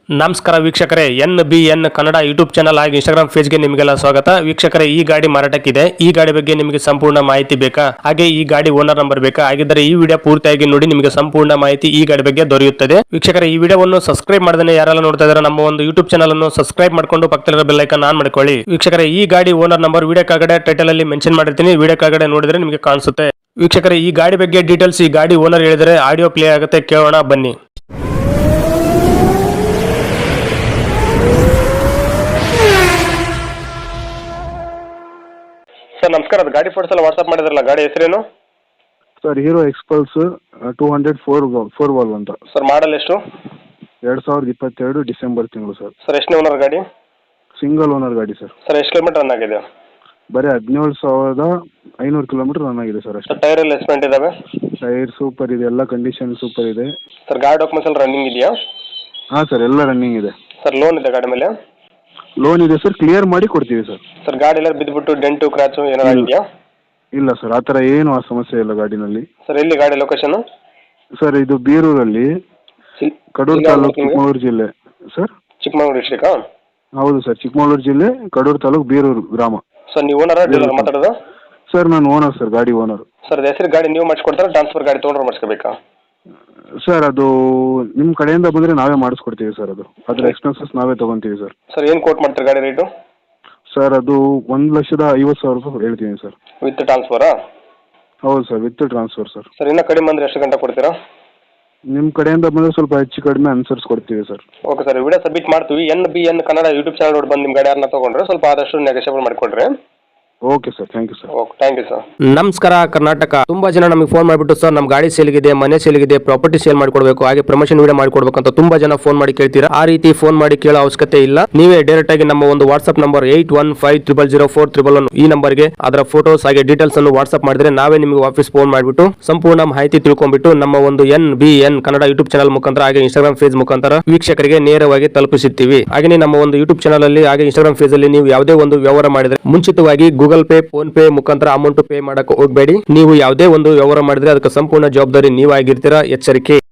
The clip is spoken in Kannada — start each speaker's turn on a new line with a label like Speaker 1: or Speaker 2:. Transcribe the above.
Speaker 1: ನಮಸ್ಕಾರ ವೀಕ್ಷಕರೇ, NBN ಕನ್ನಡ ಯೂಟ್ಯೂಬ್ ಚಾನಲ್ ಹಾಗೂ ಇನ್ಸ್ಟಾಗ್ರಾಮ್ ಪೇಜ್ಗೆ ನಿಮಗೆಲ್ಲ ಸ್ವಾಗತ. ವೀಕ್ಷಕರೇ, ಈ ಗಾಡಿ ಮಾರಾಟಕ್ಕಿದೆ. ಈ ಗಾಡಿ ಬಗ್ಗೆ ನಿಮಗೆ ಸಂಪೂರ್ಣ ಮಾಹಿತಿ ಬೇಕಾ? ಹಾಗೆ ಈ ಗಾಡಿ ಓನರ್ ನಂಬರ್ ಬೇಕಾ? ಹಾಗಿದ್ದರೆ ಈ ವಿಡಿಯೋ ಪೂರ್ತಿಯಾಗಿ ನೋಡಿ, ನಿಮಗೆ ಸಂಪೂರ್ಣ ಮಾಹಿತಿ ಈ ಗಾಡಿ ಬಗ್ಗೆ ದೊರೆಯುತ್ತದೆ. ವೀಕ್ಷಕರೇ, ಈ ವಿಡಿಯೋವನ್ನು ಸಬ್ಸ್ಕ್ರೈಬ್ ಮಾಡದೇ ಯಾರೆಲ್ಲ ನೋಡ್ತಾ ಇದ್ದಾರೆ ನಮ್ಮ ಒಂದು ಯೂಟ್ಯೂಬ್ ಚಾನಲ್ ಅನ್ನು ಸಬ್ಸ್ಕ್ರೈಬ್ ಮಾಡ್ಕೊಂಡು ಪಕ್ಕದಲ್ಲಿರೋ ಬೆಲ್ ಐಕಾನ್ ಆನ್ ಮಾಡ್ಕೊಳ್ಳಿ. ವೀಕ್ಷಕರೇ, ಈ ಗಾಡಿ ಓನರ್ ನಂಬರ್ ವಿಡಿಯೋ ಕೆಳಗಡೆ ಟೈಟಲ್ ಅಲ್ಲಿ ಮೆನ್ಷನ್ ಮಾಡಿರ್ತೀನಿ, ವಿಡಿಯೋ ಕೆಳಗಡೆ ನೋಡಿದ್ರೆ ನಿಮಗೆ ಕಾಣಿಸುತ್ತೆ. ವೀಕ್ಷಕರೇ, ಈ ಗಾಡಿ ಬಗ್ಗೆ ಡೀಟೇಲ್ಸ್ ಈ ಗಾಡಿ ಓನರ್ ಹೇಳಿದರೆ ಆಡಿಯೋ ಪ್ಲೇ ಆಗುತ್ತೆ, ಕೇಳೋಣ ಬನ್ನಿ. ಸರ್ ನಮಸ್ಕಾರ, ಅದು ಗಾಡಿ ಫೋಟೋಸ್ ಎಲ್ಲ ವಾಟ್ಸ್ಆಪ್ ಮಾಡಿದ್ರಲ್ಲ, ಗಾಡಿ ಹೆಸರೇನು?
Speaker 2: ಸರ್ ಹೀರೋ ಎಕ್ಸ್ಪಲ್ಸ್ 204 ವಾಲ್ವ್ ಅಂತ.
Speaker 1: ಸರ್ ಮಾಡಲ್ ಎಷ್ಟು?
Speaker 2: 2022 ಡಿಸೆಂಬರ್ ತಿಂಗಳು ಸರ್.
Speaker 1: ಸರ್ ಎಷ್ಟು ಓನರ್ ಗಾಡಿ?
Speaker 2: ಸಿಂಗಲ್ ಓನರ್ ಗಾಡಿ ಸರ್.
Speaker 1: ಸರ್ ಎಷ್ಟು ಕಿಲೋಮೀಟರ್ ರನ್ ಆಗಿದೆ?
Speaker 2: ಬರೀ 17,500 ಕಿಲೋಮೀಟರ್ ರನ್ ಆಗಿದೆ ಸರ್ ಅಷ್ಟೇ.
Speaker 1: ಟೈರ್ ಎಲ್ಲ ಎಸ್ಪೆಂಟ್ ಇದಾವೆ?
Speaker 2: ಟೈರ್ ಸೂಪರ್ ಇದೆ, ಎಲ್ಲ ಕಂಡೀಷನ್ ಸೂಪರ್ ಇದೆ.
Speaker 1: ಸರ್ ಗಾಡಿ ಡಾಕ್ಯುಮೆಂಟ್ಸ್ ಎಲ್ಲ ರನ್ನಿಂಗ್ ಇದೆಯಾ?
Speaker 2: ಹಾಂ ಸರ್, ಎಲ್ಲ ರನ್ನಿಂಗ್ ಇದೆ.
Speaker 1: ಸರ್ ಲೋನ್ ಇದೆ ಗಾಡಿ ಮೇಲೆ?
Speaker 2: ಲೋನ್ ಇದೆ ಸರ್, ಕ್ಲಿಯರ್ ಮಾಡಿ ಕೊಡ್ತೀವಿ ಸರ್.
Speaker 1: ಸರ್ ಗಾಡಿ ಎಲ್ಲ ಬಿದ್ದುಬಿಟ್ಟು ಡೆಂಟು ಕ್ರಾಚು ಏನಾದ್ರು ಇದೆಯಾ?
Speaker 2: ಇಲ್ಲ ಸರ್, ಆ ಥರ ಏನು ಆ ಸಮಸ್ಯೆ ಇಲ್ಲ ಗಾಡಿನಲ್ಲಿ.
Speaker 1: ಸರ್ ಎಲ್ಲಿ ಗಾಡಿ ಲೊಕೇಶನ್?
Speaker 2: ಸರ್ ಇದು ಬೀರೂರಲ್ಲಿ, ಕಡೂರು ತಾಲೂಕು, ಚಿಕ್ಕಮಗಳೂರು ಜಿಲ್ಲೆ ಸರ್.
Speaker 1: ಚಿಕ್ಕಮಗಳೂರು ಡಿಸ್ಟ್ರಿಕ್ಟಾ?
Speaker 2: ಹೌದು ಸರ್, ಚಿಕ್ಕಮಗಳೂರು ಜಿಲ್ಲೆ, ಕಡೂರು ತಾಲೂಕು, ಬೀರೂರು ಗ್ರಾಮ.
Speaker 1: ಸರ್ ನೀವು ಓನರ ಡೀಲರ್ ಮಾತಾಡೋದು?
Speaker 2: ಸರ್ ನಾನು ಓನರ್ ಸರ್, ಗಾಡಿ ಓನರ್.
Speaker 1: ಸರ್ ಹೆಸರು ಗಾಡಿ ನೀವು ಮಾಡಿಸ್ಕೊಡ್ತಾರೆ, ಟ್ರಾನ್ಸ್ಫರ್ ಗಾಡಿ ತೊಗೊಂಡ್ರೆ ಮಾಡಿಸ್ಕೋಬೇಕಾ?
Speaker 2: ಸರ್ ಅದು ನಿಮ್ಮ ಕಡೆಯಿಂದ ಬಂದರೆ ನಾವೇ ಮಾಡಿಸ್ಕೊಡ್ತೀವಿ ಸರ್. ಅದ್ರ ಎಕ್ಸ್ಪೆನ್ಸಸ್ ನಾವೇ ತೊಗೊತೀವಿ ಸರ್.
Speaker 1: ಸರ್ ಏನು ಕೋಟ್ ಮಾಡ್ತೀರಿ ಗಾಡಿ ರೇಟು?
Speaker 2: ಸರ್ ಅದು 1,50,000 ರೂಪಾಯಿ ಹೇಳ್ತೀನಿ ಸರ್.
Speaker 1: ವಿತ್ ಟ್ರಾನ್ಸ್ಫರಾ?
Speaker 2: ಹೌದು sir, with transfer sir.
Speaker 1: Sir ಇನ್ನೂ ಕಡಿಮೆ ಅಂದರೆ ಎಷ್ಟು ಗಂಟೆ ಕೊಡ್ತೀರಾ?
Speaker 2: ನಿಮ್ಮ ಕಡೆಯಿಂದ ಬಂದರೆ ಸ್ವಲ್ಪ ಹೆಚ್ಚು ಕಡಿಮೆ ಅನುಸರಿಸ್ಕೊಡ್ತೀವಿ sir.
Speaker 1: Okay sir, video submit ಮಾಡ್ತೀವಿ. NBN ಕನ್ನಡ ಯೂಟ್ಯೂಬ್ ಚಾನಲ್ ನೋಡಿ ಬಂದು ನಿಮ್ಮ ಗಾಡಿ ಯಾರನ್ನ ತೊಗೊಂಡ್ರೆ ಸ್ವಲ್ಪ ಆದಷ್ಟು ನೆಗೋಷಿಯೇಬಲ್ ಮಾಡಿಕೊಡ್ರಿ.
Speaker 2: Okay sir, thank you sir.
Speaker 1: Okay, thank you sir.
Speaker 3: ನಮಸ್ಕಾರ ಕರ್ನಾಟಕ. ತುಂಬಾ ಜನ ನಮಗೆ ಫೋನ್ ಮಾಡಿಬಿಟ್ಟು ಸರ್ ನಮ್ಮ ಗಾಡಿ ಸೇಲ್ಗಿದೆ, ಮನೆ ಸೇಲ್ಗಿದೆ, ಪ್ರಾಪರ್ಟಿ ಸೇಲ್ ಮಾಡಿಕೊಡ್ಬೇಕು, ಹಾಗೆ ಪ್ರಮೋಷನ್ ವಿಡಿಯೋ ಮಾಡಿಕೊಡ್ಬೇಕು ಅಂತ ತುಂಬಾ ಜನ ಫೋನ್ ಮಾಡಿ ಕೇಳ್ತೀರಾ. ಆ ರೀತಿ ಫೋನ್ ಮಾಡಿ ಕೇಳೋ ಅವಶ್ಯಕತೆ ಇಲ್ಲ. ನೀವೇ ಡೈರೆಕ್ಟ್ ಆಗಿ ನಮ್ಮ ಒಂದು ವಾಟ್ಸ್ಆಪ್ ನಂಬರ್ 81500411 ಈ ನಂಬರ್ಗೆ ಅದರ ಫೋಟೋಸ್ ಹಾಗೆ ಡೀಟೇಲ್ಸ್ ಅನ್ನು ವಾಟ್ಸ್ಆಪ್ ಮಾಡಿದ್ರೆ ನಾವೇ ನಿಮಗೆ ವಾಪಸ್ ಫೋನ್ ಮಾಡಿಬಿಟ್ಟು ಸಂಪೂರ್ಣ ಮಾಹಿತಿ ತಿಳ್ಕೊಂಡ್ಬಿಟ್ಟು ನಮ್ಮ ಒಂದು NBN ಕನ್ನಡ ಯೂಟ್ಯೂಬ್ ಚಾನಲ್ ಮುಖಾಂತರ ಹಾಗೆ ಇನ್ಸ್ಟಾಗ್ರಾಮ್ ಪೇಜ್ ಮುಖಾಂತರ ವೀಕ್ಷಕರಿಗೆ ನೇರವಾಗಿ ತಲುಪಿಸುತ್ತೀವಿ. ಹಾಗೆ ನಮ್ಮ ಒಂದು ಯೂಟ್ಯೂಬ್ ಚಾನಲ್ ಅಲ್ಲಿ ಹಾಗೆ ಇನ್ಸ್ಟಾಗ್ರಾಮ್ ಪೇಜ್ ಅಲ್ಲಿ ನೀವು ಯಾವುದೇ ಒಂದು ವ್ಯವಹಾರ ಮಾಡಿದ್ರೆ ಮುಂಚಿತವಾಗಿ ಗೂಗಲ್ ಪೇ, ಫೋನ್ ಪೇ ಮುಖಾಂತರ ಅಮೌಂಟ್ ಪೇ ಮಾಡಕ್ಕೆ ಹೋಗಬೇಡಿ. ನೀವು ಯಾವುದೇ ಒಂದು ವ್ಯವಹಾರ ಮಾಡಿದ್ರೆ ಅದಕ್ಕೆ ಸಂಪೂರ್ಣ ಜವಾಬ್ದಾರಿ ನೀವಾಗಿರ್ತೀರಾ, ಎಚ್ಚರಿಕೆ.